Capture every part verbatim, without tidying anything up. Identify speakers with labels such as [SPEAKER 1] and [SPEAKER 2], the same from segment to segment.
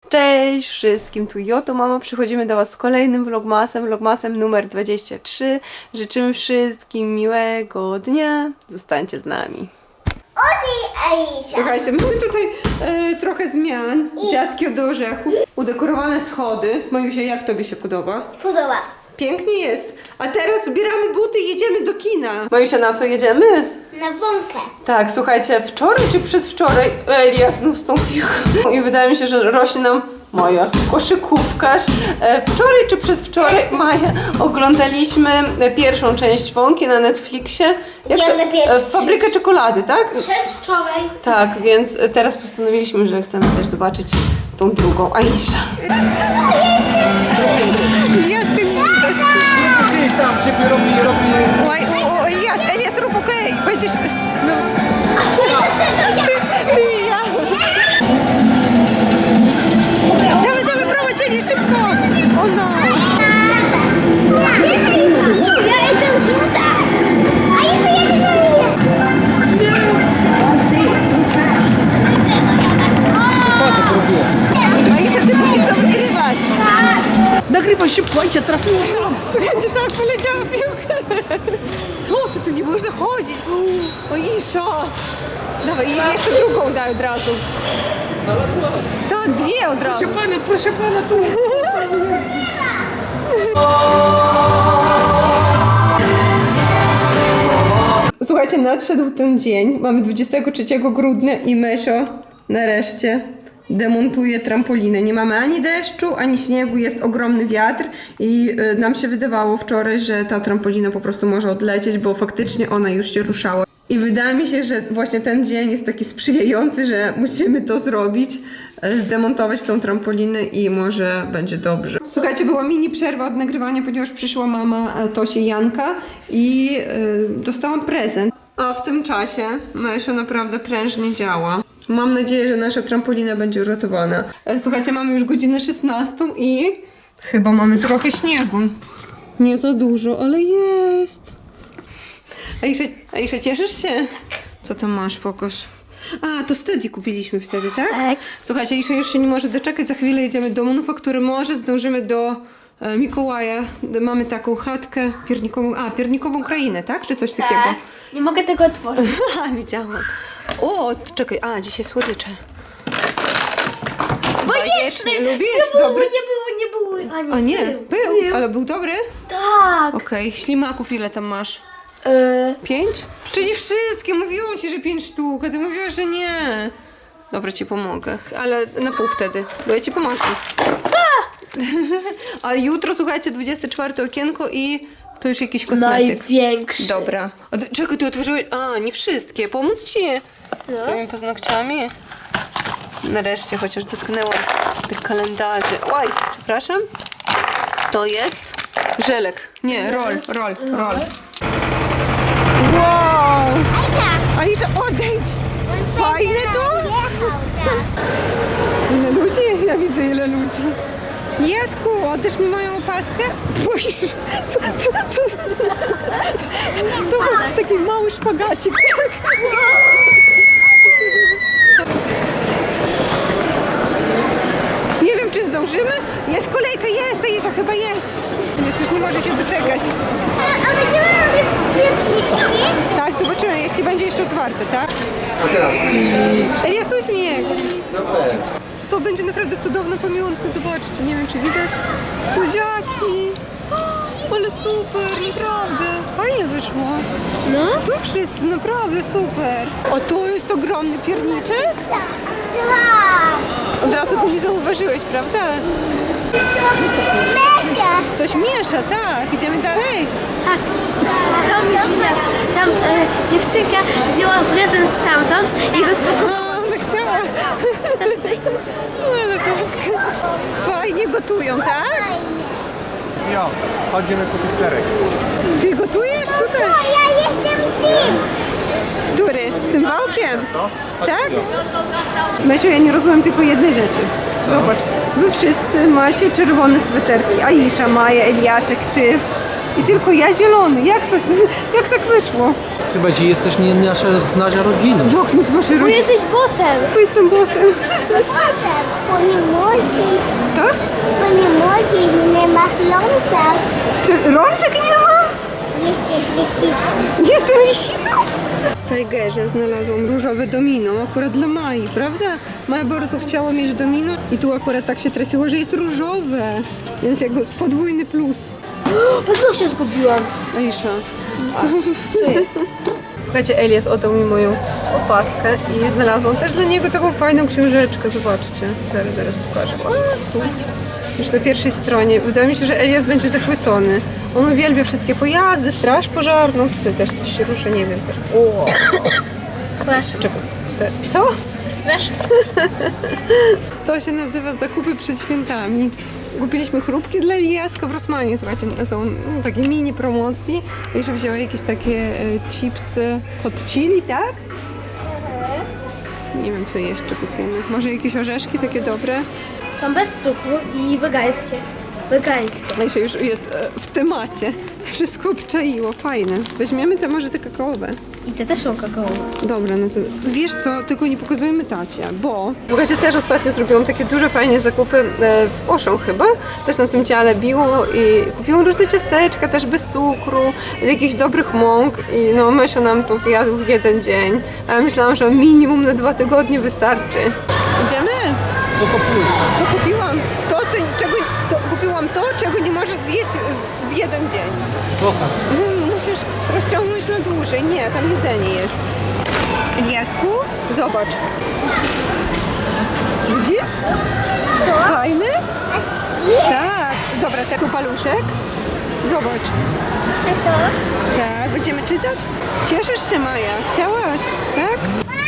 [SPEAKER 1] Cześć wszystkim, tu Joto Mama, przychodzimy do Was z kolejnym vlogmasem, vlogmasem numer dwadzieścia trzy. Życzymy wszystkim miłego dnia, zostańcie z nami. Słuchajcie, mamy tutaj e, trochę zmian, dziadki od orzechu, udekorowane schody. Majusia, jak Tobie się podoba?
[SPEAKER 2] Podoba.
[SPEAKER 1] Pięknie jest, a teraz ubieramy buty i jedziemy do kina. Majusia, na co jedziemy?
[SPEAKER 2] Na wąkę.
[SPEAKER 1] Tak, słuchajcie, wczoraj czy przedwczoraj Elia znów wstąpił i wydaje mi się, że rośnie nam moja koszykówkarz. E, Wczoraj czy przedwczoraj, Maja, oglądaliśmy pierwszą część Wąki na Netflixie. Jak to?
[SPEAKER 2] Jadę pierwszy.
[SPEAKER 1] E, Fabrykę czekolady, tak?
[SPEAKER 2] Przedwczoraj.
[SPEAKER 1] Tak, więc teraz postanowiliśmy, że chcemy też zobaczyć tą drugą, Aisha. Jasny nie
[SPEAKER 3] Ty tam ciebie robi, robi...
[SPEAKER 1] Oj, o, o, jas, Elias, rób okej, będziesz... No.
[SPEAKER 2] Dlaczego ja?
[SPEAKER 1] Ty i ja. Dawaj, dawaj, prowadź, Eli, szybko! O no!
[SPEAKER 2] Ja jestem żółta. A jestem jak
[SPEAKER 1] Aisha, ty musisz co wygrywać!
[SPEAKER 3] Nagrywaj szybko, Aisha, trafiło tam!
[SPEAKER 1] Będzie tak, poleciała piłka! Co ty, tu nie można chodzić! O, Aisha! Dawaj, i jeszcze drugą daj od razu.
[SPEAKER 3] Znalazła?
[SPEAKER 1] Tak, dwie od razu.
[SPEAKER 3] Proszę pana, proszę pana, tu!
[SPEAKER 1] Słuchajcie, nadszedł ten dzień. Mamy dwudziestego trzeciego grudnia i Mesio nareszcie demontuje trampolinę. Nie mamy ani deszczu, ani śniegu, jest ogromny wiatr i y, nam się wydawało wczoraj, że ta trampolina po prostu może odlecieć, bo faktycznie ona już się ruszała. I wydaje mi się, że właśnie ten dzień jest taki sprzyjający, że musimy to zrobić, y, zdemontować tą trampolinę i może będzie dobrze. Słuchajcie, była mini przerwa od nagrywania, ponieważ przyszła mama e, Tosi Janka i y, dostałam prezent. A w tym czasie Mesio naprawdę prężnie działa. Mam nadzieję, że nasza trampolina będzie uratowana. E, Słuchajcie, mamy już godzinę szesnastą i chyba mamy trochę śniegu. Nie za dużo, ale jest. Aisza, Aisza, cieszysz się? Co tam masz? Pokaż. A, to Steady kupiliśmy wtedy, tak?
[SPEAKER 2] Tak.
[SPEAKER 1] Słuchajcie, Aisza już się nie może doczekać. Za chwilę jedziemy do manufaktury. Może zdążymy do e, Mikołaja. Mamy taką chatkę piernikową. A, piernikową krainę, tak? Czy coś takiego?
[SPEAKER 2] Tak. Nie mogę tego otworzyć.
[SPEAKER 1] Haha, widziałam. O, czekaj, a, dzisiaj słodycze.
[SPEAKER 2] Bajeczny!
[SPEAKER 1] Lubisz?
[SPEAKER 2] Nie było,
[SPEAKER 1] Dobry?
[SPEAKER 2] nie było, nie było. A nie,
[SPEAKER 1] A nie, był,
[SPEAKER 2] był.
[SPEAKER 1] ale był dobry?
[SPEAKER 2] Tak.
[SPEAKER 1] Okej, ślimaków ile tam masz?
[SPEAKER 2] Yy,
[SPEAKER 1] Pięć? Czyli wszystkie, mówiłam ci, że pięć sztuk, a ty mówiłaś, że nie. Dobra, ci pomogę, ale na pół wtedy, bo ja ci pomogę.
[SPEAKER 2] co?
[SPEAKER 1] A jutro, słuchajcie, dwudzieste czwarte okienko i to już jakiś kosmetyk.
[SPEAKER 2] Największy.
[SPEAKER 1] Dobra. A ty, czekaj, ty otworzyłeś... A, nie wszystkie. Pomóc ci
[SPEAKER 2] No.
[SPEAKER 1] z tymi paznokciami? Nareszcie chociaż dotknęłam tych kalendarzy. Oj, przepraszam. To jest żelek. Nie, roll, roll, roll. Wow! Aisza, odejdź! Fajne to? Ile ludzi? Ja widzę ile ludzi. Jesku, oddasz mi moją opaskę? Boisz, co, co, co? To był taki mały szpagacik. Nie wiem, czy zdążymy. Jest kolejka, jest, Aisza, chyba jest. Jest, już nie może się doczekać.
[SPEAKER 2] A będziemy robić piętniczki?
[SPEAKER 1] Tak, zobaczymy, jeśli będzie jeszcze otwarte, tak?
[SPEAKER 3] A teraz cheese!
[SPEAKER 1] Elias, uśmiech.
[SPEAKER 3] Super!
[SPEAKER 1] To będzie naprawdę cudowna pamiątka, zobaczcie, nie wiem czy widać. Słodziaki! O, ale super, naprawdę. Fajnie wyszło.
[SPEAKER 2] No.
[SPEAKER 1] Tu wszyscy, naprawdę super. O, tu jest ogromny pierniczek.
[SPEAKER 2] Tak.
[SPEAKER 1] Od razu tu nie zauważyłeś, prawda?
[SPEAKER 2] Mega.
[SPEAKER 1] Coś miesza, tak. Idziemy dalej.
[SPEAKER 2] Tak. Tam już widziałam. Tam e, dziewczynka wzięła prezent stamtąd i go spakowała.
[SPEAKER 1] A, ona chciała. No, ale słodka. Fajnie gotują, tak?
[SPEAKER 3] Jo, chodzimy kupić serek.
[SPEAKER 1] Ty gotujesz tutaj?
[SPEAKER 2] Ja jestem tym.
[SPEAKER 1] Który? Z tym wałkiem? Tak? Mesiu, ja nie rozumiem tylko jednej rzeczy. Zobacz, wy wszyscy macie czerwone sweterki. Aisza, Maja, Eliasek, ty. i tylko ja zielony. Jak to, jak tak wyszło?
[SPEAKER 4] Chyba ci jesteś nie nasza znaża rodziny.
[SPEAKER 1] Jak nie z waszej
[SPEAKER 2] Bo
[SPEAKER 1] rodziny?
[SPEAKER 2] jesteś bossem.
[SPEAKER 1] Bo jestem bossem.
[SPEAKER 5] Bo nie musi,
[SPEAKER 1] Co?
[SPEAKER 5] bo nie musi, nie ma chląca.
[SPEAKER 1] Czy rączek nie mam?
[SPEAKER 5] Jesteś lisicą.
[SPEAKER 1] Jestem lisicą? W Tigerze znalazłam różowe domino, akurat dla Mai, prawda? Maja bardzo chciała mieć domino i tu akurat tak się trafiło, że jest różowe, więc jakby podwójny plus.
[SPEAKER 2] Paznokcie zgubiłam.
[SPEAKER 1] Aisza. Słuchajcie, Elias oddał mi moją opaskę i znalazłam też dla niego taką fajną książeczkę, zobaczcie. Zaraz, zaraz pokażę. O, tu. Już na pierwszej stronie. Wydaje mi się, że Elias będzie zachwycony. On uwielbia wszystkie pojazdy, straż pożarną. Tutaj też coś się rusza, nie wiem też. O,
[SPEAKER 2] Proszę.
[SPEAKER 1] czekaj. Te, co?
[SPEAKER 2] Proszę.
[SPEAKER 1] To się nazywa zakupy przed świętami. Kupiliśmy chrupki dla Eliaska w Rossmanie, słuchajcie, są no, takie mini promocji. Jeszcze wzięła jakieś takie e, chipsy hot chili, tak? Nie wiem, co jeszcze kupimy. Może jakieś orzeszki takie dobre?
[SPEAKER 2] Są bez cukru i wegańskie. Wegańskie.
[SPEAKER 1] No i się już jest e, w temacie. Wszystko obczaiło, fajne. Weźmiemy te może te kakaowe.
[SPEAKER 2] I te też są kakaowe.
[SPEAKER 1] Dobra, no to wiesz co, tylko nie pokazujemy tacie, bo... Słuchajcie, też ostatnio zrobiłam takie duże, fajne zakupy e, w Auchan chyba, też na tym ciele biło i kupiłam różne ciasteczka, też bez cukru, z jakichś dobrych mąk i no Mysio nam to zjadł w jeden dzień, a ja myślałam, że minimum na dwa tygodnie wystarczy. Idziemy?
[SPEAKER 4] Co kupujesz?
[SPEAKER 1] Co kupiłam? To, co, czego, to, kupiłam to, czego nie możesz zjeść w jeden dzień.
[SPEAKER 4] Pokaż.
[SPEAKER 1] No, musisz rozciągnąć na dłużej. Nie, tam jedzenie jest. Eliasku, zobacz. Widzisz?
[SPEAKER 5] To?
[SPEAKER 1] Fajny?
[SPEAKER 5] Nie.
[SPEAKER 1] Tak. Dobra, taki paluszek. Zobacz.
[SPEAKER 5] A to?
[SPEAKER 1] Tak, będziemy czytać? Cieszysz się, Maja? Chciałaś, tak?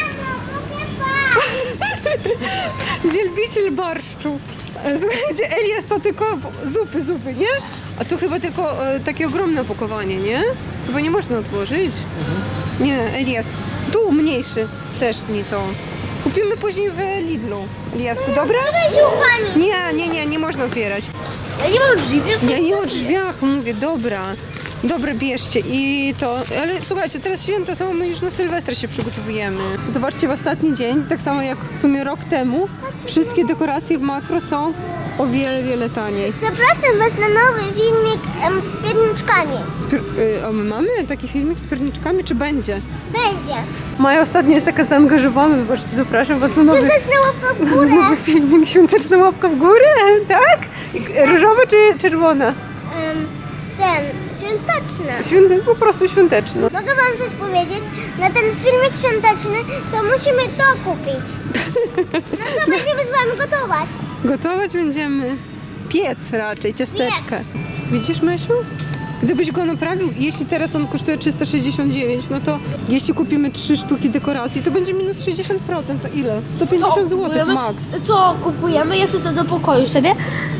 [SPEAKER 1] Wielbiciel barszczu. E, Słuchajcie, Elias to tylko zupy, zupy, nie? A tu chyba tylko e, takie ogromne opakowanie, nie? Chyba nie można otworzyć. Nie, Elias. Tu mniejszy. Też nie to. Kupimy później w Lidlu. Eliasku, dobra?
[SPEAKER 5] Tutaj się u pani.
[SPEAKER 1] Nie, nie, nie, nie można otwierać.
[SPEAKER 2] Ja nie mam drzwi, wiesz?
[SPEAKER 1] Ja nie o drzwiach mówię, dobra. Dobra, bierzcie i to, ale słuchajcie, teraz święta są, my już na Sylwestra się przygotowujemy. Zobaczcie, w ostatni dzień, tak samo jak w sumie rok temu, wszystkie dekoracje w Makro są o wiele, wiele taniej.
[SPEAKER 5] Zapraszam was na nowy filmik em, z pierniczkami.
[SPEAKER 1] Spier- y, a my mamy taki filmik z pierniczkami, czy będzie?
[SPEAKER 5] Będzie.
[SPEAKER 1] Maja ostatnio jest taka zaangażowana, zobaczcie, zapraszam was na nowy,
[SPEAKER 5] Świąteczna łapka w
[SPEAKER 1] na
[SPEAKER 5] górę.
[SPEAKER 1] nowy filmik, świąteczna łapka w górę, tak? Różowa czy czerwona?
[SPEAKER 5] Em, ten, świąteczna.
[SPEAKER 1] Świąte, po prostu świąteczna.
[SPEAKER 5] Mogę wam coś powiedzieć? Na ten filmik świąteczny to musimy to kupić. No co, będziemy z wami gotować.
[SPEAKER 1] Gotować będziemy piec raczej, ciasteczkę. Widzisz, Mysiu? Gdybyś go naprawił, jeśli teraz on kosztuje trzysta sześćdziesiąt dziewięć, no to jeśli kupimy trzy sztuki dekoracji, to będzie minus sześćdziesiąt procent. To ile? sto pięćdziesiąt złotych max.
[SPEAKER 2] Co kupujemy? Ja chcę to do pokoju sobie.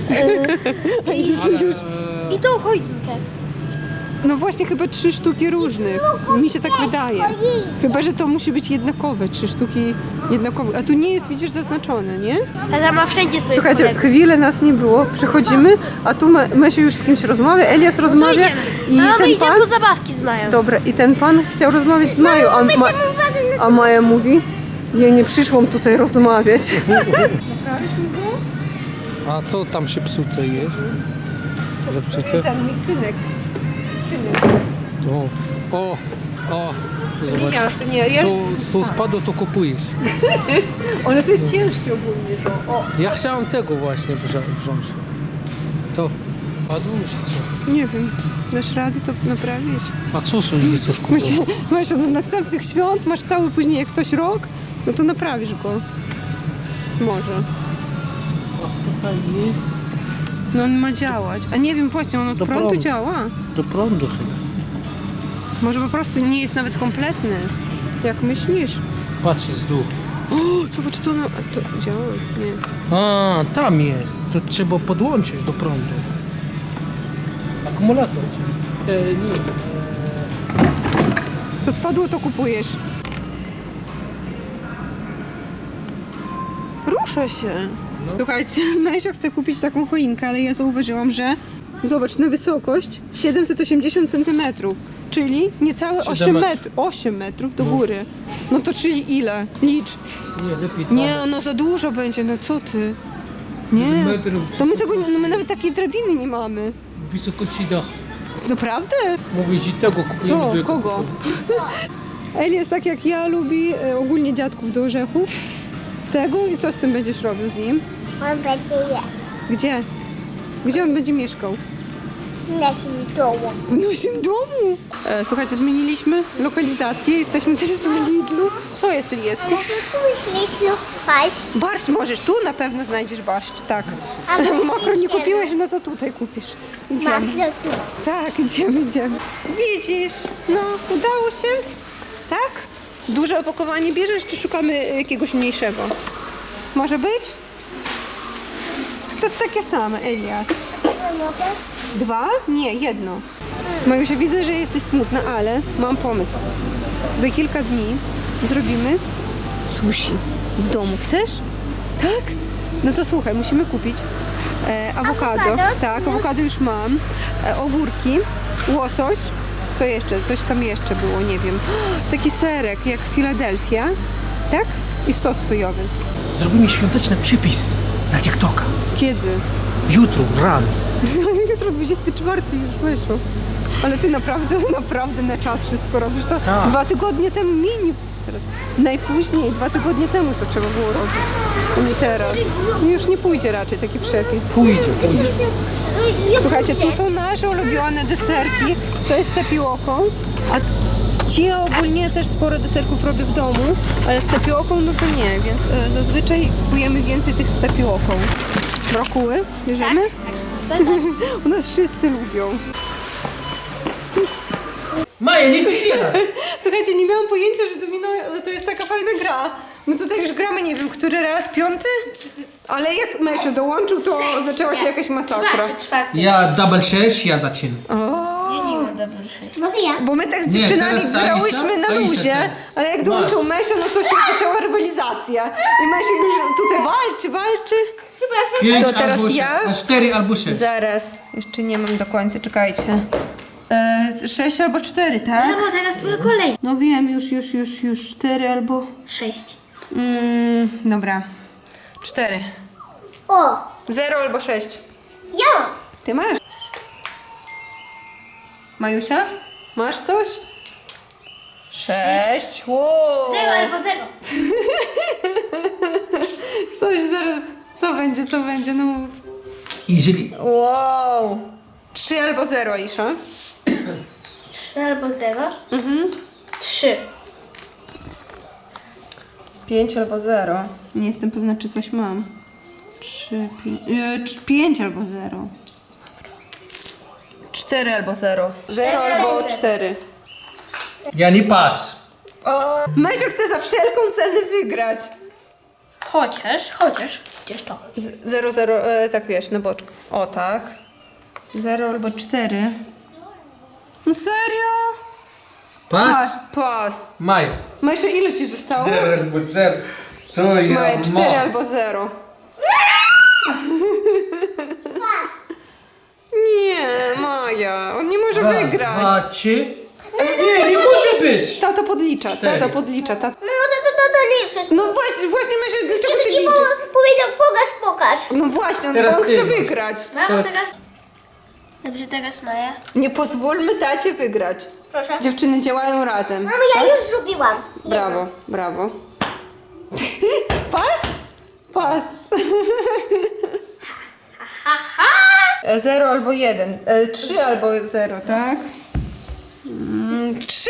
[SPEAKER 2] Yy, i, I tą choinkę.
[SPEAKER 1] No właśnie, chyba trzy sztuki różnych. Mi się tak wydaje. Chyba, że to musi być jednakowe, trzy sztuki jednakowe. A tu nie jest, widzisz, zaznaczone, nie?
[SPEAKER 2] Tata ma wszędzie swoje
[SPEAKER 1] Słuchajcie,
[SPEAKER 2] kolegów.
[SPEAKER 1] chwilę nas nie było, przychodzimy, a tu My- Mysiu już z kimś rozmawia, Elias
[SPEAKER 2] To
[SPEAKER 1] rozmawia
[SPEAKER 2] idziemy.
[SPEAKER 1] i
[SPEAKER 2] Mama, my
[SPEAKER 1] ten
[SPEAKER 2] idziemy
[SPEAKER 1] pan...
[SPEAKER 2] po zabawki z Mają.
[SPEAKER 1] Dobra, i ten pan chciał rozmawiać z Mają, a, Ma... a Maja mówi, ja nie przyszłam tutaj rozmawiać. Naprawisz mi go?
[SPEAKER 4] A co tam się psute jest? Zepsute?
[SPEAKER 1] Ten mój synek. Synek.
[SPEAKER 4] O, o, o.
[SPEAKER 1] To nie
[SPEAKER 4] Zobacz.
[SPEAKER 1] ja, to nie ja. ja
[SPEAKER 4] Co, co spadło, to kupujesz.
[SPEAKER 1] Ale to jest ciężkie ogólnie to. O,
[SPEAKER 4] Ja chciałem tego właśnie wrza- wziąć. To padło czy co?
[SPEAKER 1] nie wiem, dasz radę to naprawić?
[SPEAKER 4] A co są jest coś kupować?
[SPEAKER 1] Myślę, masz do następnych świąt, masz cały później jak coś rok, no to naprawisz go. Może.
[SPEAKER 4] Tutaj jest
[SPEAKER 1] No on ma działać. A nie wiem, właśnie on od
[SPEAKER 4] Do
[SPEAKER 1] prądu
[SPEAKER 4] prądu.
[SPEAKER 1] działa.
[SPEAKER 4] do prądu chyba.
[SPEAKER 1] Może po prostu nie jest nawet kompletny. Jak myślisz?
[SPEAKER 4] Patrz z dół.
[SPEAKER 1] O, zobacz, to, no, a to działa? Nie.
[SPEAKER 4] A, tam jest. To trzeba podłączyć do prądu. Akumulator. Te nie.
[SPEAKER 1] Co spadło, to kupujesz. Rusza się. Słuchajcie, Mysio chce kupić taką choinkę, ale ja zauważyłam, że Zobacz, na wysokość siedemset osiemdziesiąt centymetrów, czyli niecałe
[SPEAKER 4] Siedem
[SPEAKER 1] osiem
[SPEAKER 4] metrów.
[SPEAKER 1] metrów. osiem metrów do góry. No to czyli ile? Licz.
[SPEAKER 4] Nie, lepiej dwa
[SPEAKER 1] Nie,
[SPEAKER 4] metry.
[SPEAKER 1] no za dużo będzie, no co ty? Nie,
[SPEAKER 4] Metrów
[SPEAKER 1] to my tego, nie- no my nawet takiej drabiny nie mamy.
[SPEAKER 4] Wysokości dach.
[SPEAKER 1] Naprawdę?
[SPEAKER 4] Mówisz, że tego kupujemy.
[SPEAKER 1] Co?
[SPEAKER 4] drugiego
[SPEAKER 1] Kogo?
[SPEAKER 4] kupujemy.
[SPEAKER 1] Eli jest tak jak ja, lubi e, ogólnie dziadków do orzechów. Tego i co z tym będziesz robił z nim?
[SPEAKER 5] On będzie je.
[SPEAKER 1] Gdzie? Gdzie on będzie mieszkał?
[SPEAKER 5] W naszym domu.
[SPEAKER 1] W naszym domu. E, słuchajcie, zmieniliśmy lokalizację. Jesteśmy teraz w Lidlu. Co jest, Eliesku?
[SPEAKER 5] Ale to tu śliczny paść.
[SPEAKER 1] Barszcz możesz. Tu na pewno znajdziesz barszcz, tak.
[SPEAKER 5] A my
[SPEAKER 1] Makro nie
[SPEAKER 5] idziemy.
[SPEAKER 1] kupiłeś, no to tutaj kupisz. Idziemy.
[SPEAKER 5] Bardzo tu.
[SPEAKER 1] Tak, idziemy, idziemy. Widzisz, no udało się. Tak? Duże opakowanie bierzesz, czy szukamy jakiegoś mniejszego? Może być? To takie same, Elias.
[SPEAKER 5] Mogę?
[SPEAKER 1] Dwa? Nie, jedno. Majusia, widzę, że jesteś smutna, ale mam pomysł. Za kilka dni zrobimy sushi w domu. Chcesz? Tak? No to słuchaj, musimy kupić e, awokado.
[SPEAKER 5] Awokado?
[SPEAKER 1] Tak,
[SPEAKER 5] Już.
[SPEAKER 1] awokado już mam. E, ogórki, łosoś. Co jeszcze? Coś tam jeszcze było, nie wiem. Taki serek jak Filadelfia. Tak? I sos sojowy.
[SPEAKER 4] Zrobimy świąteczny przypis na TikToka.
[SPEAKER 1] Kiedy?
[SPEAKER 4] Jutro, rano.
[SPEAKER 1] Jutro dwudziestego czwartego już wyszło. Ale ty naprawdę, naprawdę na czas wszystko robisz. To
[SPEAKER 4] Tak.
[SPEAKER 1] dwa tygodnie temu mini. Teraz. Najpóźniej dwa tygodnie temu to trzeba było robić. A nie teraz. Już nie pójdzie raczej taki przepis.
[SPEAKER 4] Pójdzie, pójdzie.
[SPEAKER 1] Słuchajcie, tu są nasze ulubione deserki. To jest z tapioką. A t- z chia ogólnie też sporo deserków robię w domu, ale z tapioką no to nie, więc e, zazwyczaj kupujemy więcej tych z tapioką. Brokuły bierzemy?
[SPEAKER 2] Tak, tak.
[SPEAKER 1] U nas wszyscy lubią.
[SPEAKER 4] Maja, nie wybieraj.
[SPEAKER 1] Słuchajcie, nie miałam pojęcia, że domino to jest taka fajna gra. My tutaj już gramy, nie wiem, który raz, piąty? Ale jak Mesiu dołączył, to
[SPEAKER 2] Sześć,
[SPEAKER 1] zaczęła się
[SPEAKER 2] nie.
[SPEAKER 1] jakaś masakra.
[SPEAKER 2] Czwarty, czwarty.
[SPEAKER 4] Ja double sześć, ja zaczynam.
[SPEAKER 1] O,
[SPEAKER 2] Ja nie mam dobrze sześć.
[SPEAKER 5] Mogę ja?
[SPEAKER 1] bo my tak z
[SPEAKER 4] Nie,
[SPEAKER 1] dziewczynami
[SPEAKER 4] teraz
[SPEAKER 1] grałyśmy na
[SPEAKER 4] Aisha, Aisha
[SPEAKER 1] luzie,
[SPEAKER 4] teraz.
[SPEAKER 1] ale jak
[SPEAKER 4] Masz.
[SPEAKER 1] dołączył Mesio, no to się zaczęła rywalizacja. I Mesio już tutaj walczy, walczy.
[SPEAKER 2] Przepraszam.
[SPEAKER 4] Pięć
[SPEAKER 1] To teraz
[SPEAKER 4] albo sześć.
[SPEAKER 1] ja?
[SPEAKER 4] A cztery albo sześć.
[SPEAKER 1] Zaraz, jeszcze nie mam do końca, czekajcie. E, sześć albo cztery, tak?
[SPEAKER 2] No bo teraz twoja kolej.
[SPEAKER 1] No wiem, już, już, już, już cztery albo...
[SPEAKER 2] Sześć.
[SPEAKER 1] Mm, dobra. Cztery.
[SPEAKER 5] O!
[SPEAKER 1] Zero albo sześć.
[SPEAKER 5] Ja!
[SPEAKER 1] Ty masz? Majusia? Masz coś? Sześć. Wow.
[SPEAKER 2] Zero albo zero.
[SPEAKER 1] Coś zaraz. Co będzie, co będzie? No mów.
[SPEAKER 4] Jeżeli
[SPEAKER 1] Wow. Trzy albo zero, Isza.
[SPEAKER 2] Trzy albo zero. Mhm. Trzy.
[SPEAKER 1] Pięć albo zero. Nie jestem pewna, czy coś mam. Trzy, pięć. E, cz- pięć albo zero. Cztery albo zero. Zero albo
[SPEAKER 2] zero.
[SPEAKER 1] cztery.
[SPEAKER 4] ja nie pas.
[SPEAKER 1] O, Mesio chce za wszelką cenę wygrać.
[SPEAKER 2] Chociaż, chociaż. Gdzież to?
[SPEAKER 1] Z- Zero, zero, e, tak wiesz, na boczku. O tak. Zero albo cztery. No serio?
[SPEAKER 4] Pas?
[SPEAKER 1] Pas.
[SPEAKER 4] Maja.
[SPEAKER 1] Mesio, ile ci zostało?
[SPEAKER 4] Zero albo zero. To ja
[SPEAKER 1] Maja,
[SPEAKER 4] mam.
[SPEAKER 1] cztery albo zero. Nie, Maja, on nie może
[SPEAKER 4] Raz,
[SPEAKER 1] wygrać.
[SPEAKER 4] dwa, trzy. Nie, nie może być.
[SPEAKER 1] Tata podlicza,
[SPEAKER 4] Cztery.
[SPEAKER 1] tata podlicza. Tata...
[SPEAKER 5] No to to to, to liczę.
[SPEAKER 1] No właśnie, właśnie Mesio, dlaczego ty
[SPEAKER 5] I po,
[SPEAKER 1] liczysz?
[SPEAKER 5] powiedział pokaż, pokaż.
[SPEAKER 1] No właśnie, on
[SPEAKER 4] Teraz
[SPEAKER 1] on chce
[SPEAKER 4] ty.
[SPEAKER 1] wygrać.
[SPEAKER 2] Mamo,
[SPEAKER 4] Teraz-
[SPEAKER 2] teraz... Dobrze, teraz Maja.
[SPEAKER 1] Nie pozwólmy tacie wygrać.
[SPEAKER 5] Proszę.
[SPEAKER 1] Dziewczyny działają razem.
[SPEAKER 5] Mamo, ja już zrobiłam.
[SPEAKER 1] Brawo, brawo. Pas? Pas. E, Zero albo jeden. E, Trzy albo zero, tak? Mm, Trzy.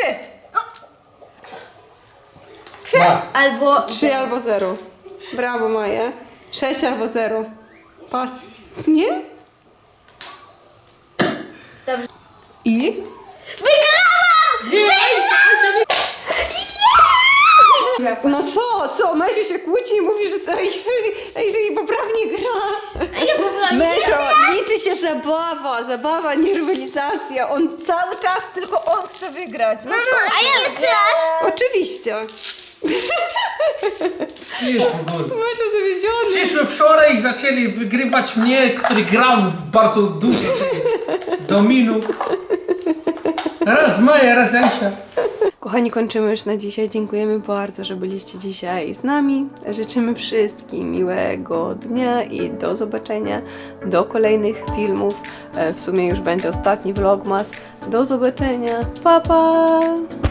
[SPEAKER 4] Ma.
[SPEAKER 2] Albo...
[SPEAKER 1] Trzy albo zero. Brawo, Maja. Sześć albo zero. Pas. Nie?
[SPEAKER 2] Dobrze.
[SPEAKER 1] I? No co, co? Mesio się kłóci i mówi, że to jeżeli, jeżeli poprawnie gra.
[SPEAKER 2] A ja mówiłam,
[SPEAKER 1] Mesio, liczy się zabawa, zabawa, nie rywalizacja. On cały czas tylko on chce wygrać. No co?
[SPEAKER 5] A ja jeszcze raz.
[SPEAKER 1] Oczywiście.
[SPEAKER 4] Jest w ogóle.
[SPEAKER 1] Mesio zawiedziony.
[SPEAKER 4] Przyszły wczoraj i zaczęli wygrywać mnie, który grał bardzo dużo. Dominu. Raz Maja, raz Asia.
[SPEAKER 1] Kochani, kończymy już na dzisiaj. Dziękujemy bardzo, że byliście dzisiaj z nami. Życzymy wszystkim miłego dnia i do zobaczenia do kolejnych filmów. E, W sumie już będzie ostatni vlogmas. Do zobaczenia. Pa, pa!